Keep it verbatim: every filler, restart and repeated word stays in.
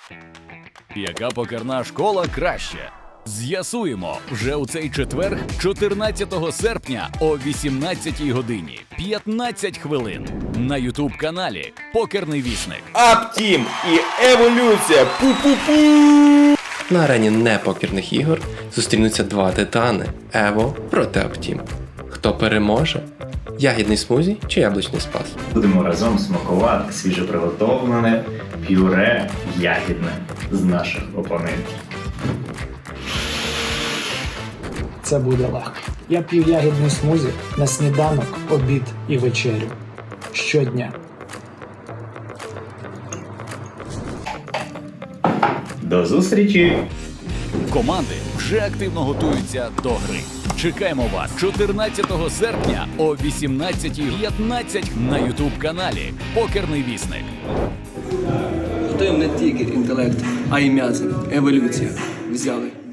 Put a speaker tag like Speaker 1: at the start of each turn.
Speaker 1: Яка покерна школа краще? З'ясуємо вже у цей четвер, чотирнадцятого серпня о вісімнадцятій годині п'ятнадцять хвилин на ютуб-каналі Покерний Вісник.
Speaker 2: Аптім і Еволюція! Пу-пу-пу!
Speaker 3: На арені непокерних ігор зустрінуться два титани – Ево проти Аптім. Хто переможе? Ягідний смузі чи яблучний спас?
Speaker 4: Будемо разом смакувати свіжеприготовлене пюре ягідне з наших опонентів.
Speaker 5: Це буде легко. Я п'ю ягідний смузі на сніданок, обід і вечерю. Щодня.
Speaker 4: До зустрічі!
Speaker 1: Команди вже активно готуються до гри. Чекаємо вас чотирнадцятого серпня о вісімнадцятій п'ятнадцять на ютуб-каналі Покерний Вісник.
Speaker 6: Готуємо не тільки інтелект, а й м'язи. Еволюція. Взяли.